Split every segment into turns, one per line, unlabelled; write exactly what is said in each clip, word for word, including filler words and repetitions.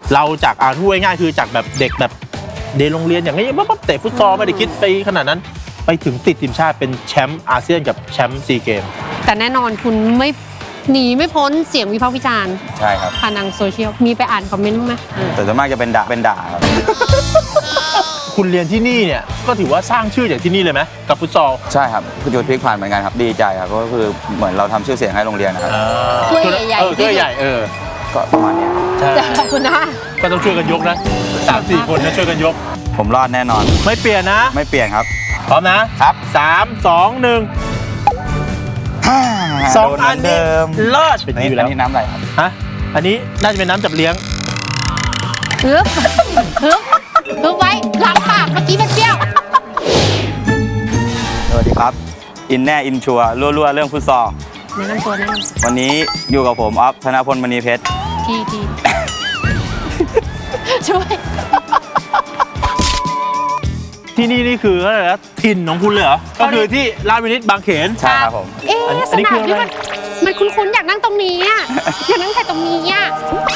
เราจากอ่านพูดง่ายๆคือจากแบบเด็กแบบเดนโรงเรียนอย่างนี้ปั๊บเตะฟุตซอลไม่ได้คิดไปขนาดนั้นไปถึงติดทีมชาติเป็นแชมป์อาเซียนกับแชมป์ซีเกม
แต่แน่นอนคุณไม่หนีไม่พ้นเสียงวิพากษ์วิจารณ์
ใช่ครับ
ผ่านทางโซเชียลมีไปอ่านคอมเมนต์บ้างไหม
แต่ส่วนมากจะเป็นด่าเป็นด่าครับ
คุณเรียนที่นี่เนี่ยก็ถือว่าสร้างชื่อจากที่นี่เลยไหมกับฟุตซอล
ใช่ครับคือจุดพลิกผ่านเหมือนกันครับดีใจครับก็คือเหมือนเราทำชื่อเสียงให้โรงเรียนนะครับ
ถ้วยใหญ่
เออถ้วยใหญ่เออ
ก็ประมาณนี้
ใช่
ขอบคุณนะ
ก็ต้องช่วยกันยกนะสามสี่คนนะช่วยกันยก
ผมรอดแน่นอน
ไม่เปลี่ยนนะ
ไม่เปลี่ยนครับ
พร้อมนะครับสามสองหนึ่งสองอันนี้เลิศเป็นอยู่แล้ว
อันนี้น้ำอะไรครับ
ฮะอันนี้น่าจะเป็นน้ำจับเลี้ยง
ฮึบฮึบฮึบไว้หลังปากเมื่อกี้มันเปรี้ยว
สวัสดีครับอินแน่อินชัวรั่วๆเรื่องฟุตซอล
แนะนำตัวแนะนำ
วันนี้อยู่กับผมออฟธนพลมณีเพชร
ทีทีช่วย
ที่นี่นี่คืออะไรนะถิ่นของคุณเลยเหรอก็คือที่ราชวินิตบางเขน
ใช่ครับผม
เอ๊ะสนามที่มันมันคุ้นๆอยากนั่งตรงนี้อ่ะอยากนั่งแต่ตรงนี้อ่ะ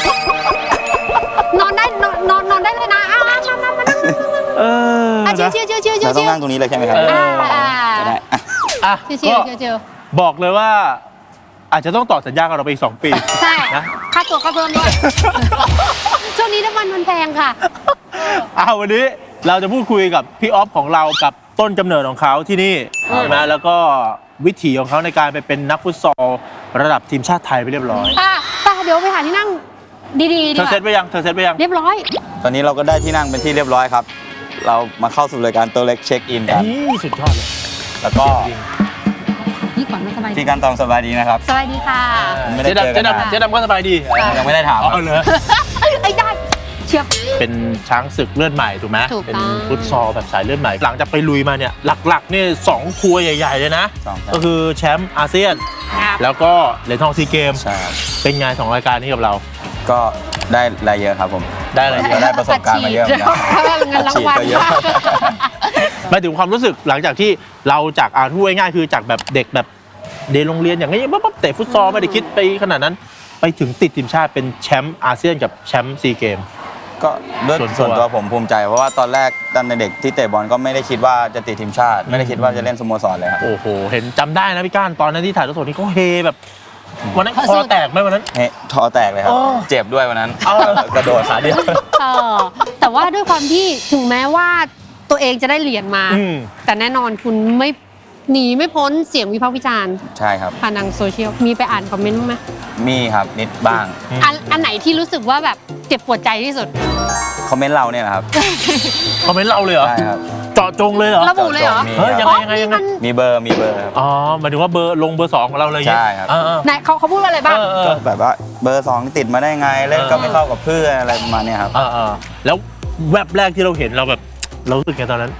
นอนได้นอนนอนนอนได้เลยนะอ้าวมามามานั่ง
เออ
เชียวเชียวเชียวเชียวเชียว
เราต้องนั่งตรงนี้เลยใช่ไหมครับ
ได้
อ่ะ
เชียวเชียวเชียว
บอกเลยว่าอาจจะต้องต่อสัญญากับเราไปอีกสองปี
ใช่นะค่าตัวก็เพิ่มด้วยช่วงนี้น้ำมันมันแพงค่ะ
อ้าววันนี้เราจะพูดคุยกับพี่ออฟของเรากับต้นกำเนิดของเขาที่นี่ใช่ไหมแล้วก็วิถีของเขาในการไปเป็นนักฟุตซอลระดับทีมชาติไทยไปเรียบร้อย
อ่ะแต่เดี๋ยวไปหาที่นั่งดีๆดี
เธอเซตไปยังเธอเซตไปยัง
เรียบร้อย
ตอนนี้เราก็ได้ที่นั่งเป็นที่เรียบร้อยครับเรามาเข้าสู่รายการตัวเล็กเช็คอินกัน
นี่สุดยอดเลย
แล้วก็
พี่ก่อนไม่สบาย
พี่การตองสบายดีนะครับ
สบายดีค่ะ
เจ๊ดำเจ๊ดำเจ๊ดำก็สบายดี
ยังไม่ได้ถาม
อ๋อเลย
ไอ้ได้เชียบ
เป็นช้างศึกเลือดใหม่ถูกไหมเป็นฟุตซอลแบบสายเลือดใหม่หลังจากไปลุยมาเนี่ยหลักๆนี่สองทัวร์ใหญ่ๆเลยนะก็คือแชมป์อาเซียนแล้วก็เหรียญทองซีเกมเป็นไงสองรายการนี้กับเรา
ก็ได้รายเยอะครับผม
ได้อะไรเยอะ
ได้ประสบการณ์มาเยอะเหมือนกัน
เงินรางวัลเยอะ
มาถึงความรู้สึกหลังจากที่เราจากอ่านพูดง่ายๆคือจากแบบเด็กแบบเดนโรงเรียนอย่างนี้ปั๊บเตะฟุตซอลไม่ได้คิดไปขนาดนั้นไปถึงติดทีมชาติเป็นแชมป์อาเซียนกับแชมป์ซีเกม
ก็ด้วยส่วนตัวผมภูมิใจเพราะว่าตอนแรกตอนเด็กที่เตะบอลก็ไม่ได้คิดว่าจะติดทีมชาติไม่ได้คิดว่าจะเล่นสโมสรเลยครับ
โอ้โหเห็นจำได้นะพี่ก้านตอนนั้นที่ถ่ายทอดสดนี่เขาเฮแบบวันนั้นคอแตกไหมวันนั้น
เฮคอแตกเลยครับเจ็บด้วยวันนั้นกระโดดขาเดียว
แต่ว่าด้วยความที่ถึงแม้ว่าตัวเองจะได้เหรียญมาแต่แน่นอนคุณไม่หนีไม่พ้นเสียงวิพากษ์วิจารณ์
ใช่ครับ
ผ่านทางโซเชียลมีไปอ่านคอมเมนต์บ้างไหม
มีครับนิดบ้าง
อันอันไหนที่รู้สึกว่าแบบเจ็บปวดใจที่สุด
คอมเมนต์เราเนี่ยนะครับ
คอมเมนต์เราเลยเหรอ
ใช่ครับ
เจาะจงเลยเหรอ
ระบุเลยเหรอ
เฮ้ยยังไงยังไงยังไง
มีเบอร์มีเบอร์ครับ
อ๋อหมายถึงว่าเบอร์ลงเบอร์สองของเราเลย
ใช่ครับ
ไหนเขาเขาพูดว่าอะไรบ้าง
ก็แบบว่าเบอร์สองติดมาได้ไงเล่นก็ไม่เข้ากับเพื่อนอะไรประมาณนี้ครับ
แล้วแวบแรกที่เราเห็นเราแบบเรารู้สึกไงตอนนั้น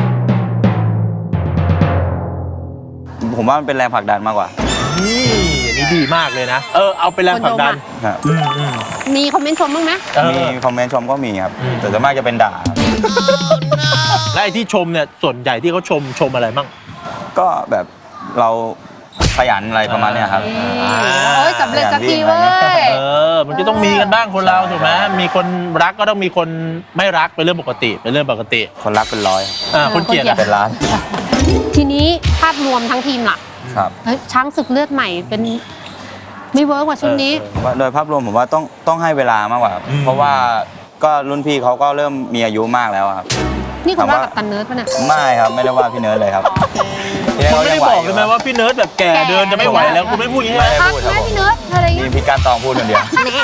ผมว่ามันเป็นแรงผลักดันมากกว่า
นี่อันนี้ดีมากเลยนะเออเอาเป็นแรงผลักดัน
มีคอมเมนต์ชมบ้างไหม
มีคอมเมนต์ชมก็มีครับแต่ส่วนมากจะเป็นด่า
และไอ้ที่ชมเนี่ยส่วนใหญ่ที่เขาชมชมอะไรบ้าง
ก็แบบเราขยันอะไรประมาณนี้ครับ
โอ้ยสำเร็จสักทีเว้ย
เออมันจะต้องมีกันบ้างคนเราถูกไหมมีคนรักก็ต้องมีคนไม่รักเป็นเรื่องปกติเป็นเรื่องปกติ
คนรักเป็นร้อย
อ่าคนเกลียด
เป็นล้าน
ทีนี้ภาพรวมทั้งทีมล่ะ
ครับ
ช้างศึกเลือดใหม่เป็นไม่เวิร์กกว่าช่วงนี้
โดยภาพรวมผมว่าต้องต้องให้เวลามากกว่าเพราะว่าก็รุ่นพี่เขาก็เริ่มมีอายุมากแล้วครับ
นี่คุณว่ากับตันเนิร์ดป่ะเนี่ย
ไม่ครับไม่ได้ว่าพี่เนิร์ดเลยครับ
คุณไม่ได้บอกเลยไหมว่าพี่เนิร์ดแบบแก่เดินจะไม่ไหวแล้วคุณไม่พูดอย่างนี้
ไม่พูดครับ
พี่เนิร์ดอะไรเงี้
ยมีพี่การตองพูดคนเดียว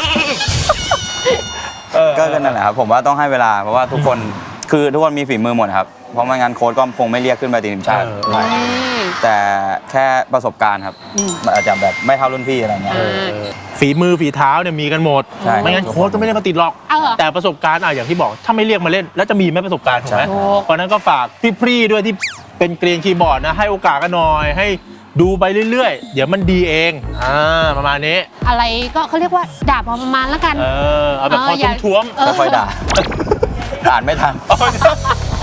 ก็นั่นแหละครับผมว่าต้องให้เวลาเพราะว่าทุกคนคือทุกคนมีฝีมือหมดครับเพราะไม่งั้นโค้ชก็คงไม่เรียกขึ้นไปติดทีมชาติแต่แค่ประสบการณ์ครับอาจจะแบบไม่เท่ารุ่นพี่อะไรเงี้ย
ฝีมือฝีเท้าเนี่ยมีกันหมดไม่งั้นโค้ชก็ไม่ได้มาติดหรอกแต่ประสบการณ์อ่ะอย่างที่บอกถ้าไม่เรียกมาเล่นแล้วจะมีไหมประสบการณ์ถูกไหมเพราะนั้นก็ฝากพี่ๆด้วยที่เป็นเกรียนคีย์บอร์ดนะให้โอกาสกันหน่อยให้ดูไปเรื่อยๆเดี๋ยวมันดีเองอ่าประมาณนี้
อะไรก็เขาเรียกว่าด่าพอประมาณแล้วกัน
เออเอาแบบพอทุ่มๆ
ค่อยๆด่าอ่านไม่ทัน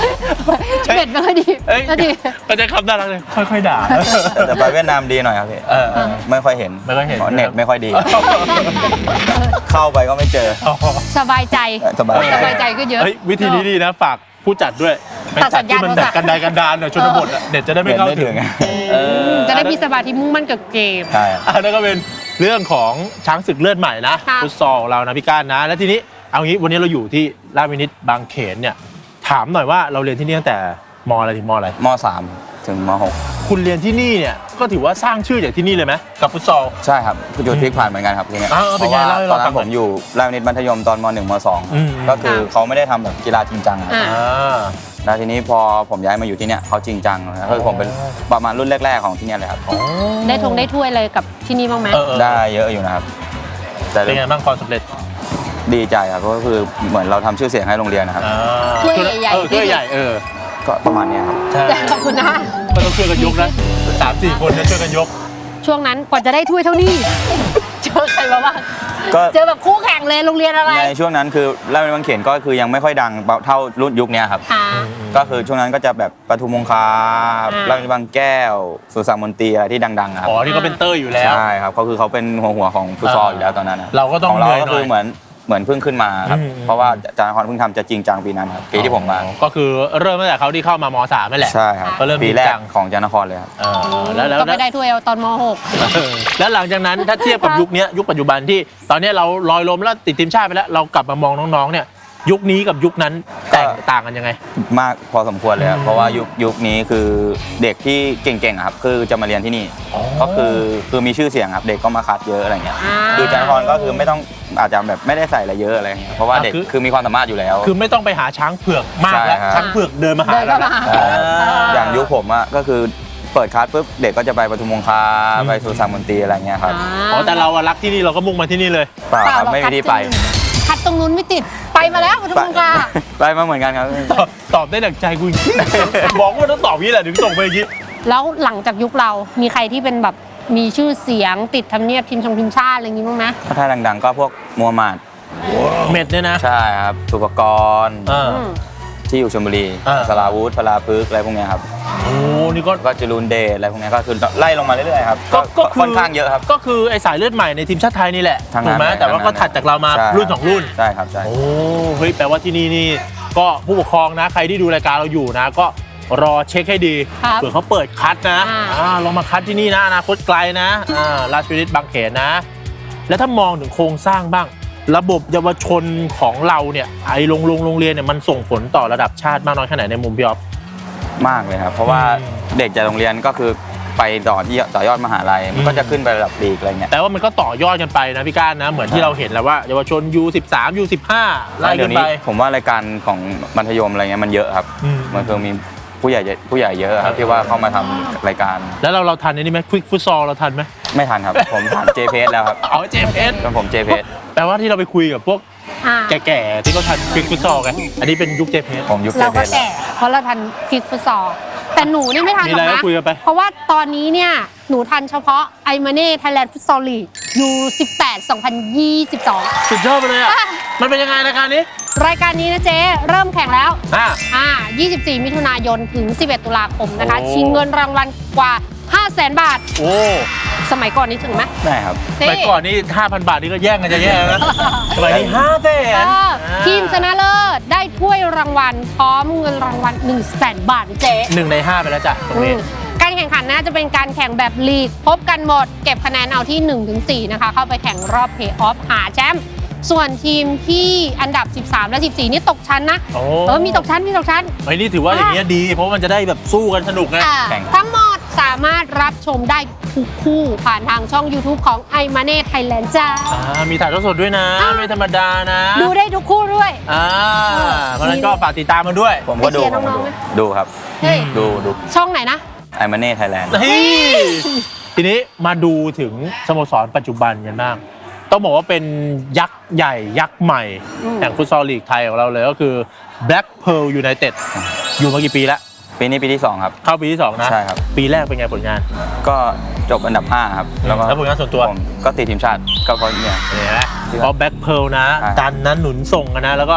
เบ็ดไม่ค่อยดี
เอ้ย
ก็ดี
ก็จะคำน่ารักเลยค่อยๆด่า
แต่ไปเวียดนามดีหน่อยครับพี่
เออเออ
ไม่ค่อยเห็น
ไม่ค่อยเห็น
พราะเน็ตไม่ค่อยดี เข้าไปก็ไม่เจอ
สบายใจ
สบาย
สบายใจก็เยอะ
เฮ้ยวิธีนี้ดีนะฝากผู้จัดด้วย
ตัดสัญญาณ
ที่มัน
โทรศั
แบ
พท์
บกันไดกันดานหน่อยชนบทอะเน็ตจะได้ไม่เข้าถึง เออ
จะได้มีสมาธิมุ่งมั่นกับเกม
ใช่
อันนั้นก็เป็นเรื่องของช้างศึกเลือดใหม่นะ
ค่ะ
ฟุตซอลเรานะพี่ก้านนะ แล้วทีนี้เอางี้วันนี้เราอยู่ที่ราชวินิตบางเขนเนี่ยถามหน่อยว่าเราเรียนที่นี่ตั้งแต่มอะไรถึงมอะไร
มสามถึงมหก
คุณเรียนที่นี่เนี่ยก็ถือว่าสร้างชื่อจากที่นี่เลยไหมกับฟุตซอล
ใช่ครับคือจุดพลิกผ่านเหมือนกันครับทีเนี้ย
อ้าวเป็น
เพราะ
ไง
ว่า
เล่าให้
ตอน
เราฟั
นั้
ง
น
หน่
ผ
อย
มอยู่ราชวินิตมัธยมตอนมหนึ่งมสอง
อืม
ก็คือเขาไม่ได้ทำแบบกีฬาจริงจังครับ
อ่า
อ่า
แล้วทีนี้พอผมย้ายมาอยู่ที่เนี้ยเขาจริงจังนะคือผมเป็นประมาณรุ่นแรก ๆของที่เนี้ยเลยครับ
อ๋อ
ได้ทงได้ถ้วยเลยกับที่นี่บ้างไหม
เออเออ
ได้เยอะอยู่นะครับ แต่
เป็นไงบ้างความสำเร็จ
ดีใจครับเพราะก็คือเหมือนเราทำชื่อเสียงให้โรงเรียนนะครับ
อ่า
ถ้วยใหญ่ๆ
เออถ้วยใหญ่เออ
ก็ประมาณเนี้ยครับ
ใช่
ขอบคุณนะ
ก็ต้องช่วยกันยกนะสามสี่คนเนี่ยช่วยกันยก
ช่วงนั้นกว่าจะได้ถ้วยเท่านี้ เจอใครมาบ้าง
ก็
เจอแบบคู่แข่งเลยโรงเรียนอะไร
ในช่วงนั้นคือราชวินิตบางเขนก็คือยังไม่ค่อยดังเท่ารุ่นยุคเนี้ยครับ
ค่ะ
ก็คือช่วงนั้นก็จะแบบปทุมมงคา
อ่า
ราชวินิตบางแก้ว สุสานมนตรีอะไรที่ดังๆอะครับ
อ๋อที่เขาเป็นเตอร์อยู่แล้ว
ใช่ครับเขาคือเขาเป็นหัวหัวของฟุตซอลอยู่แล้วตอนนั้นนะ
เราก็ต้อง
ของเรา
เหนื่อย
ก็
หน่
คือ
อย
เหมือนเหมือนเพิ่งขึ้นมาครับ
อืม
เพราะว่าอาจารย์นครเพิ่งทำจะจริงจังปีนั้นครับปีที่ผมมา
อ๋อก็คือเริ่มตั้งแต่เขาที่เข้ามามสามนั่นแหละ
ใช่ครับ
ก็เริ่ม
ปี
จริง
แรก
จัง
ของอาจารย์นครเลยครับ
เออแล้วแล้ว
ก็
แล้ว
ไม่ได้ถ้วยเอาตอนม หก
เออแล้วหลังจากนั้นถ้าเทียบกับยุคเนี้ยยุคปัจจุบันที่ตอนเนี้ยเราลอยลมแล้วติดทีมชาติไปแล้วเรากลับมามองน้องๆเนี่ยยุคนี้กับยุคนั้นแตกต่างกันยังไง
มากพอสมควรเลยครับ
อืม
เพราะว่ายุคยุคนี้คือเด็กที่เก่งๆอะครับคือจะมาเรียนที่นี่
อ๋อ
ก็คือคือมีชื่อเสียงครับเด็กก็มาคัดเยอะอะไรเงี้ย
อ่า
คืออาจารย์นครก็คือไม่ต้องอาจจะแบบไม่ได้ใส่อะไรเยอะอะไรเงี้ยเพราะว่าเด็ก
คือ
คือมีความสามารถอยู่แล้ว
คือไม่ต้องไปหาช้างเผือกมากแล้ว
ใช่ครับ
ช้างเผือกเดินมาหา
เดิน
แล้ว
เข้า
นะ
มา
ใช่
อ่า
อย่างยุคผมอะก็คือเปิดคัสปุ๊บเด็กก็จะไปปทุมมงคา
อืม
ไปสุสานมนตรีอะไรเงี้ยครับ
อ๋อแต่เราอะรักที่นี่เราก็มุ่งมาที่นี่เลย
เปล่าครับไม่มีที่ไป
คัดตรงนู้นไม่ติดไปมาแล้วปทุมมงคา
ไปมาเหมือนกันครับ
ตอบตอบได้ดังใจกูจริงๆบอกว่าต้องตอบนี้แหละถึงส่งไปอย่างนี้
แล้วหลังจากยุคเรามีใครที่เป็นแบบมีชื่อเสียงติดทำเนียบทีมชงทีมชาติอะไรอย่างงี้บ้างไหม
ถ้าดังๆก็พวกมูฮัมหมัด
เม็ดเนี่ยนะ
ใช่ครับสุปกรณ์
อ่า
อืม
ที่อยู่ชลบุรี
อ่า
สลาวุธพลาพึกษ์อะไรพวกเนี้ยครับ
โอ้นี่ก็
ก็จรูนเดชอะไรพวกเนี้ยก็คือไล่ลงมาเรื่อยๆครับ
ก็ก็คือ
ค่อนข้างเยอะครับ
ก็คือไอสายเลือดใหม่ในทีมชาติไทยนี่แหละ
ทั้ง
ถู
นั้
ก
น
ไหม
เลย
แต่ว่า
ทั้งนั้น
ก็ถัดจากเรามา
ใช่
รุ่นสองรุ่น
ใช่ครับใช่
โอ้เฮ้ยแปลว่าที่นี่นี่ก็ผู้ปกครองนะ ใครที่ดูรายการเราอยู่นะ ก็รอเช็คให้ดี
ครับ
เผื่อเขาเปิดคัดนะ
อ่า
อ่าลองมาคัดที่นี่นะอนาคตไกลนะอ่าราชวินิตบางเขนนะ แล้วถ้ามองถึงโครงสร้างบ้าง ระบบเยาวชนของเราเนี่ยไอ้โรงโรงโรงเรียนเนี่ยมันส่งผลต่อระดับชาติมากน้อยแค่ไหนในมุมพี่อ๊อฟ
มากเลยครับเพราะว่า
อืม
เด็กจากโรงเรียนก็คือไปต่อที่ต่อยอดมหาลัยมันก็จะขึ้นไประดับลีกอะไรเงี้ย
แต่ว่ามันก็ต่อยอดกันไปนะพี่ก้านนะ เหมือนที่เราเห็นแล้วว่าเยาวชน ยู สิบสาม ยู สิบห้า ไล่
เดี๋
กั
ย
น
ว
ไป
นี้ผมว่ารายการของมัธยมอะไรเงี้ยมันเยอะครับ
อืม
มันคือมีผู้ใหญ่เยอะผู้ใหญ่เยอะครับที่ว่าเข้ามาทำรายการ
แล้วเราเราทันอันนี้ไหมควิกฟุตซอลเราทันไหม
ไม่ทันครับ ผมผ่าน เจ พี เอส แล้วครับ
เอาเจมเอส
จนผม เจ พี เอส
แปลว่าที่เราไปคุยกับพวก
อ่า
แก่ๆที่เขาทันควิกฟุตซอลกันอันนี้เป็นยุคเจมเอส
ผมยุค เจ
เรา
พี
ก็
เอส
แก่เพราะเราทันคลิกฟุตซอลแต่หนูนี่ไม่ทันหรอก
มีอะไร
นะ
ก็คุยกันไป
เพราะว่าตอนนี้เนี่ยหนูทันเฉพาะไอมาเน่ไทยแลนด์ฟุตซอลลีกยูสิบแปด สองพันยี่สิบสอง
สุดยอดไปเลยอ่ะ
อ่ะ
มันเป็นยังไงรายการนี้
รายการนี้นะเจ๊เริ่มแข่งแล้ว
อ่า
อ่ายี่สิบสี่ มิถุนายนถึง สิบเอ็ด ตุลาคมนะคะ
โอ้
ชิงเงินรางวัลกว่า ห้าแสน บาท
โอ้
สมัยก่อนนี้ถึงไหม
ได้ครับ
เจ๊
ไปก่อนนี่ ห้าพัน บาทนี่ก็แย่งกันจะแย่นะสมัยนี้ห้าแส
เอน อทีมชนะเลิศได้ถ้วยรางวัลพร้อมเงินรางวัล หนึ่งแสน บาทเจ๊
หนึ่งในห้าไปแล้วจ้ะตรงนี้
อืมการแข่งขันนะจะเป็นการแข่งแบบลีก พบกันหมด เก็บคะแนนเอาที่ หนึ่งถึงสี่ นะคะ เข้าไปแข่งรอบเพลย์ออฟหาแชมป์ส่วนทีมที่อันดับ สิบสาม และ สิบสี่ นี่ตกชั้นนะ
โอ้
เออ มีตกชั้น มีตกชั้น
ไอ้นี่ถือว่าอย่างเงี้ยดี เพราะมันจะได้แบบสู้กันสนุกไง
อ่า
แข่ง
ทั้งหมดสามารถรับชมได้ทุกคู่ผ่านทางช่อง YouTube ของ i m a n e Thailand จ้า
อ่ามีถ่ายทอดสดด้วยนะ
อ่า
ไม่ธรรมดานะ
ดูได้ทุกคู่ด้วย
อ่าเพราะฉะนั้นก็ฝากติดตามมันด้วย
ผมก็ดู
ไปเชียร์
ผมก็
น้อง
ดู
ๆไหม
ดูครับ
เฮ้ย
ดูดู
ช่องไหนนะ
ไอมาเน่ไทยแลนด์
เฮ้ยทีนี้มาดูถึงสโมสรปัจจุบันกันบ้างต้องบอกว่าเป็นยักษ์ใหญ่ยักษ์ใหม่
อืม
แห่งฟุตซอลลีกไทยของเราเลยก็คือ Black Pearl United อยู่มากี่ปีแล้ว
ปีนี้ปีที่สองครับ
เข้าปีที่สองนะ
ใช่ครับ
ปีแรกเป็นไงผลงาน
ก็จบอันดับห้าครับแล้วก็
แล้วผลงานส่วนตัว
ผมก็ติดทีมชาติก็เพราะเนี่ย
เนี่ยนะเพราะ Black Pearl นะ
ใช่
ดันนะหนุนส่งกันนะ แล้วก็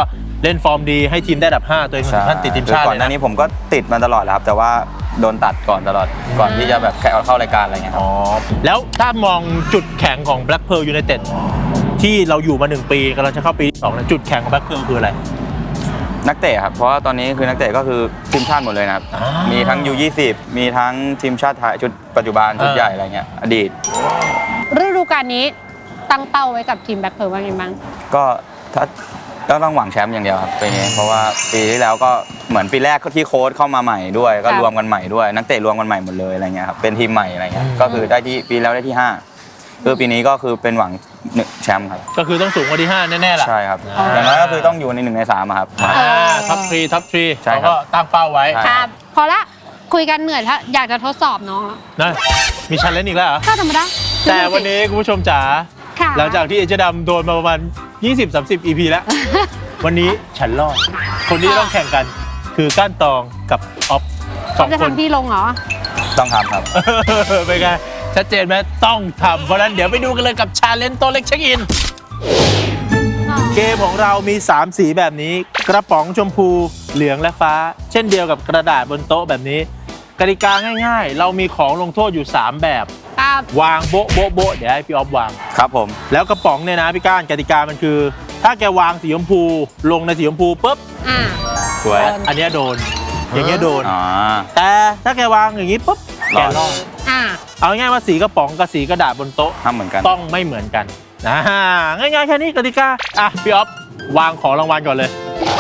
เล่นฟอร์มดีให้ทีมได้อันดับห้าตัวเองถึงขั้นติดทีมชาติ
ก่อน
เลย
หน้า
นะ
นี้ผมก็ติดมาตลอดแหละครับ แต่ว่าโดนตัดก่อนตลอดก่อนที่จะแบบแค่เอาเข้ารายการอะไรเงี้ยครั
อ๋
บ
อแล้วถ้ามองจุดแข็งของ Black Pearl United ที่เราอยู่มาหนึ่งปีกำลังจะเข้าปีที่สองแล้วจุดแข็งของ Black Pearl คืออะไร
นักเตะครับเพราะว่าตอนนี้คือนักเตะก็คือทีมชาติหมดเลยนะครับ
อ่ามี
มีทั้ง ยู ยี่สิบ มีทั้งทีมชาติไทยชุดปัจจุบันชุด
อ่า
ใหญ่อะไรเงี้ยอดีต
ฤดูกาลนี้ตั้งเป้าไว้กับทีมแบ็คเพิร์ลว่าไงบ้าง
ก็ถ้าก็ต้องหวังแชมป์อย่างเดียวครับปีนี้เพราะว่าปีที่แล้วก็เหมือนปีแรกก็ที่โค้ชเข้ามาใหม่ด้วย ก็
ครับ
รวมกันใหม่ด้วย นักเตะรวมกันใหม่หมดเลยอะไรเงี้ยครับเป็นทีมใหม่อะไรเงี้ยก็คือได้ที่ปีแล้วได้ที่ห้าคือปีนี้ก็คือเป็นหวังหนึ่งแชมป์ครับ
ก็คือต้องสูงกว่าที่ห้าแน่ๆล่ะ
ใช่ครับ
อ่า
อย่างน้อยก็คือต้องอยู่ในหนึ่งในสามอะครับ
อ่าท็อปทรีท็อปทรี
ใช่
เขา
ครับ
ก็ตั้งเป้าไว้
ใช่
ครับ พอละคุยกันเหนื่อยถ้าอยากจะทดสอบน้องแล้ว
นะมีชันเล่นอีกแล้วเหรอ
ก็ธรรมดา
แต่วันนี้คุณผู้ชมจ๋า
ค่ะ
หลังจากที่เอเจดำโดนมาประมาณ ยี่สิบสามสิบ อี พี แล้ว วันนี้ฉันรอด คนที่ต้องแข่งกันคือก้านตองกับออฟสอง
จะ
คน
ทำที่ลงเหรอ
ต้องทำครับ
เป็นไงชัดเจนไหมต้องทำเพราะฉะนั้นเดี๋ยวไปดูกันเลยกับชาเลนจ์โตะเล็กเช็คอิน เกมของเรามี สาม สีแบบนี้ กระป๋องชมพู เหลืองและฟ้า เช่นเดียวกับกระดาษบนโต๊ะแบบนี้ กติกาง่ายๆ เรามีของลงโทษอยู่ สาม แบบ
ครับ
วางโบ๊ะโบ๊ะโบ๊ะเดี๋ยวให้พี่ออฟวาง
ครับผม
แล้วกระป๋องเนี่ยนะพี่ก้านกติกามันคือ ถ้าแกวางสีชมพูลงในสีชมพูปุ๊บ
อ่า
สวย
โดน
อันเนี้ยโดน อย่างเงี้ยโดน
อ๋อ
แต่ถ้าแกวางอย่างงี้ปุ๊บแกรอด
อ่า
เอาง่ายๆว่าสีกระป๋องกับสีกระดาษบนโต๊ะ
ทำเหมือนกัน
ต้องไม่เหมือนกันนะง่ายๆแค่นี้กติกาอ่ะพี่ออฟวางของรางวัลก่อนเลย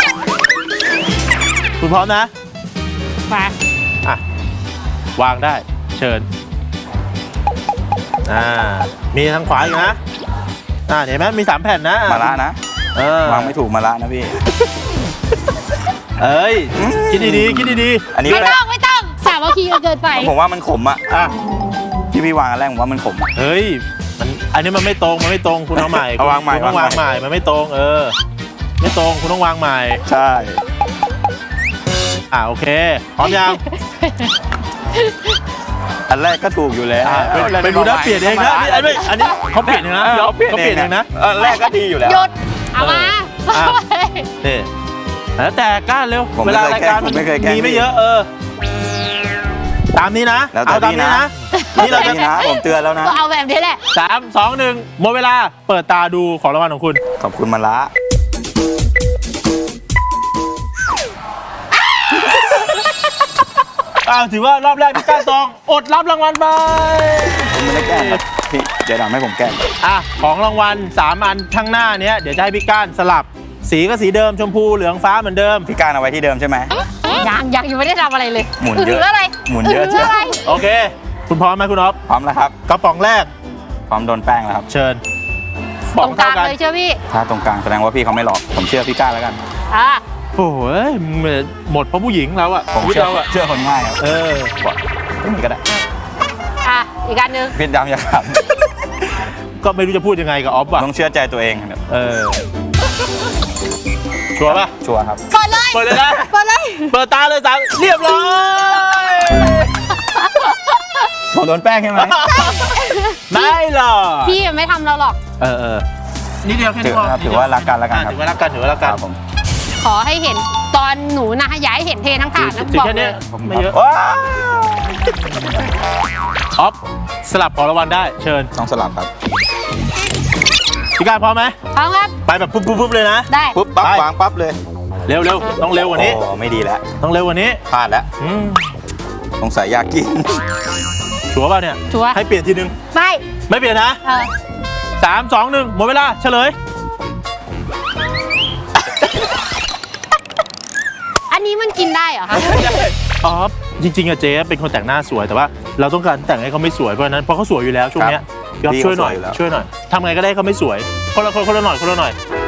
คุณพร้อมนะ
ไป
อ่ะวางได้เชิญอ่ามีทางขวาอีกนะอ่าเห็นไหมมีสามแผ่นนะ
มาละนะ
เออ
วางไม่ถูกมาละนะพี่
เอ้ยคิดดีๆคิดดี
อันนี้
ไม่ต้องไม่ต้องสามัคคีกันเกินไป
ผมว่ามันขมอ่ะ
ๆอ่ะ
ที่พี่วางอันแรกผมว่ามันขมอะ
เฮ้ยมันอันนี้มันไม่ตรงมันไม่ตรงคุณเอาใหม่
เอาวางใหม่
คุณต้องวาง
วาง
ให
ใหม่
ม่มันไม่ตรงเออ ไม่ตรงคุณต้องวางใหม่
ใช่
อ่าโอเคพร้อมยัง
อันแรกก็ถูกอยู่แล้ว
อ่ะไปไปดูนะเปลี่ยนเองนะนี่อันนี้อันนี้เขาเปลี่ยนเองนะพี่อ๊อฟเขาเปลี่ยนเองนะ
อันแรกก็ดีอยู่แล้ว
หยุด เอามา
อ่ะ นี่แล้วแต่ก้านเร็ว
ผม
เว
ไม่
ลา
เคย
รายการ
แกล้งผมไม่เคยแกล้ง
มีไม่เยอะเออ ตามนี้นะ
แล้วแต่
เอาตาม
พี่
นี้
นะ
นะนี่เราจะ
นี่นะผมเตือนแล้วนะ
ก็เอาแบบนี้แหละ
สามสองหนึ่งหมดเวลาเปิดตาดูของรางวัลของคุณ
ขอบคุณมาละ
อ้าวถือว่ารอบแรกพี่ก้านตองอดรับรางวัลไป
ผมไม่ได้แกล้งครับพี่เดี๋ยวทำให้ผมแกล้ง
อ่ะของรางวัลสามอันข้างหน้าเนี้ยเดี๋ยวจะให้พี่ก้านสลับ สีก็สีเดิมชมพูเหลืองฟ้าเหมือนเดิม
พี่การเอาไว้ที่เดิมใช่ไหม
ยังยังยังไม่ได้ทำอะไรเลย
หมุนเยอะ
หรืออะไร
หมุนเยอะ
หรืออะไร
โอเค คุณพร้อมไหมคุณอ๊อฟ
พร้อมแล้วครับ
กระป๋องแรก
พร้อมโดนแป้งแล้วครับ
เชิญ
ตรงกลางเลยเชื่อพี่
ถ้าตรงกลางแสดงว่าพี่เขาไม่หลอก ผมเชื่อพี่ก้าแล้วกัน
อ่า
โอ้โหหมดเพราะผู้หญิงเราอะ
ผม
ชีวิต
เชื่อ
เราอะ
เชื่อคนง่ายครับ
เออ
ตรงนี้ก็ได้
อ่ะอีกอันหนึง
พี่ดำอย่าขับ
ก็ไม่รู้จะพูดยังไงกับออฟอะ
ต้องเชื่อใจตัวเองครับ
เออชัวร์ปะ
ชัวร์ครับ
เปิดเลย
เปิดเลยนะ
เปิดเลย
เปิดตาเลยสามเรียบร้อย
ผมโดนแป้งใช่ไหม
ไม่หรอก
พี่ไม่ทำเราหรอก
เออเออนี่เดียวแค่
ถื
นี้
อ
พอ
ครับถือว่ารักกันแล้วกันครับ
ถือว่ารักกันถือว่ารัก
ค
กัน
รับผม
ขอให้เห็นตอนหนูนะอย่าให้เห็นเททั้งถาดนะ
ถือ
บอก
แค่
เล
เนี้
ย
ยไม่เยอะ
ว้าว
ออฟสลับของรางวัลได้เชิญ
ต้องสลับครับ
พี่การพร้อมไหม
พร้อมครับ
ไปแบบปุ๊บปุ๊บปุ๊บเลยนะ
ได้
ปุ๊บปั๊บ
ไป
วางปั๊บเลย
เร็วเร็วต้องเร็วกว่านี้
โอ้ไม่ดีแล้ว
ต้องเร็วกว่านี้
พลาดแล้ว
อืม
สงสัยอยากกิน
ชัวร์ป่ะเนี่ย
ชัวร์
ให้เปลี่ยนทีนึง
ไม่
ไม่เปลี่ยนนะ
เออ
สามสองหนึ่งหมดเวลาเฉลย
อันนี้มันกินได้เหรอคะ
อ๋อจริงๆอะเจ๊เป็นคนแต่งหน้าสวยแต่ว่าเราต้องการแต่งให้เขาไม่สวยเพราะฉะนั้นเพราะเขาสวยอยู่แล้วช่วงเนี้ยยอดช่วยหน่อยช่วยหน่อยทำไงก็ได้ให้เขาไม่สวยคนละคนคนละหน่อยคนละหน่อย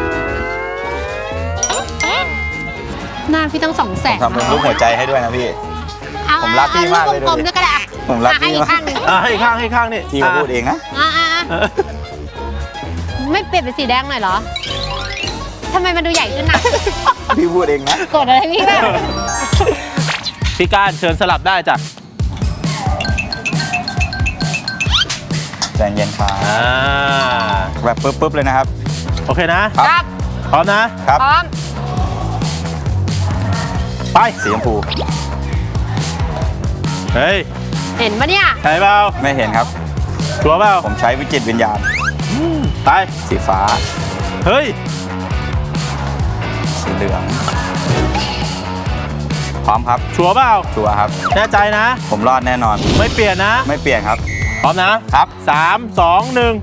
หน้าพี่ต้องสองแสน
ทำเป็นรูปหัวใจให้ด้วยนะพี่
เอา
ผมรักพี่มากเลย
กลมๆด้วยก็ได้อะ
ผมรัก
อ่ะให้
พี่
อีก
มาก
ข้างหนึ่ง
อ่ะให้อีกข้างให้อีกข้างนี่
พี่เขาพูดเองนะ
อ่ะอ่ะอ่ะ
เออ
ไม่เปลี่ยนเป็นสีแดงหน่อยเหรอทำไมมันดูใหญ่ขึ้นน่ะ
พี่พูดเองนะ
กดอะไรพี่บ้าง
พี่การเชิญสลับได้จ้ะ
ใจเย็นครับ
อ่า
แบบปุ๊บปุ๊บเลยนะครับ
โอเคนะ
ค
ค
รั
รับ
พร้อมนะ
ครับ
พร้อม
ไป
สีชมพู
เฮ้ย
เห็นปะเนี่ย
ใช่เปล่า
ไม่เห็นครับ
ชัวร์เปล่า
ผมใช้วิจิตรวิญญาณ
ไป
สีฟ้า
เฮ้ย
สีเหลือง พร้อมครับ
ชัวร์เปล่า
ชัวร์ครับ
แน่ใจนะ
ผมรอดแน่นอน
ไม่เปลี่ยนนะ
ไม่เปลี่ยนครับ
พร้อมนะครับ สามสองหนึ่ง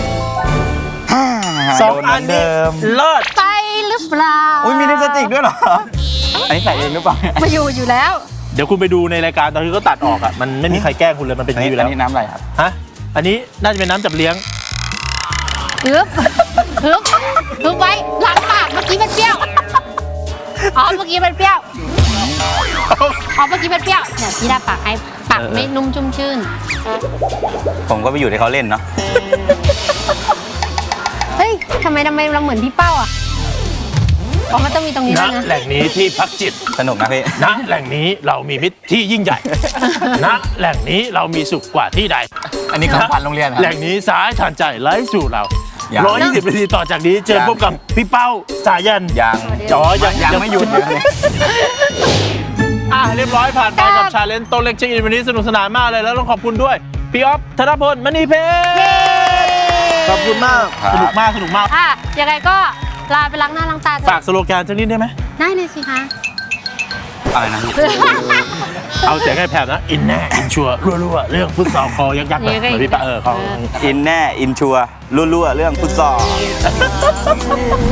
สอง
โดน
อัน
เหมื
นี้
เดิม
เลิศ
ไปหรือเปล่า
อุ้ยมีลิปสติกด้วยเหรอ อันนี้ใส่เองหรือเปล่า
มาอยู่อยู่แล้ว
เดี๋ยวคุณไปดูในรายการตอนที่เขาตัดออกอ่ะมันไม่มีใครแกล้งคุณเลยมันเป็นอ
อัน
ย่าง
นี้
นี้อยู่
อั
แล้ว
นนี้น้ำอะไรครับ
ฮะอันนี้น่าจะเป็นน้ำจับเลี้ยง
ฮึบฮึบฮึบไว้หลังปากเมื่อกี้มันเปรี้ยว อ๋อ เมื่อกี้มันเปรี้ยว อ๋อ เมื่อกี้มันเปรี้ยวเดี๋ยวพี่ดาปากให้ปากไม่นุ่มชุ่มชื่น
ผมก็ไปอยู่ที่เขาเล่นเนาะ
เฮ้ยทำไมทำไมเราเหมือนพี่เป้าอ่ะ อ๋อ มันต้องมีตรงนี้
ณ
ด้วยนะ
แหล่งนี้ที่พักจิต
สนุกนะพี่
ณแหล่งนี้เรามีมิตรที่ยิ่งใหญ่ ณแหล่งนี้เรามีสุขกว่าที่ใด
อันนี้ของพันโรงเรียนครับ
แหล่งนี้สายทานใจไล่สู่เรา
ยัง
ร้อยยี่สิบนาทีต่อจากนี้เจอ
ยัง
พบกับพี่เป้าสายัน
ยัง
อ๋อยัง
ยังไม่หยุดเลย
อ่ะเรียบร้อยผ่านไปกับชาเลนจ์โตะเล็กเช็คอินวันนี้สนุกสนานมากเลยแล้วต้องขอบคุณด้วยพี่อ๊อฟธนพลมณีเพชรขอบคุณมาก
ครับ
สนุกมากสนุกมาก
อ่ะ ยังไงก็ลาไปล้างหน้าล้างตาเถ
ฝาก
อะ
สโลแกนสักนิดได้ไหม
ได้เลยสิคะ
อะไรนะพี่
เอาเสียงให้แผ่วนะอินแน่อินชัวร์รั่วๆเรื่องฟุตซอลคอยักษ์ๆหน่อยเหมือนพี่ปะเออเขา
อินแน่ อินชัวร์รั่วๆเรื่องฟุตซอล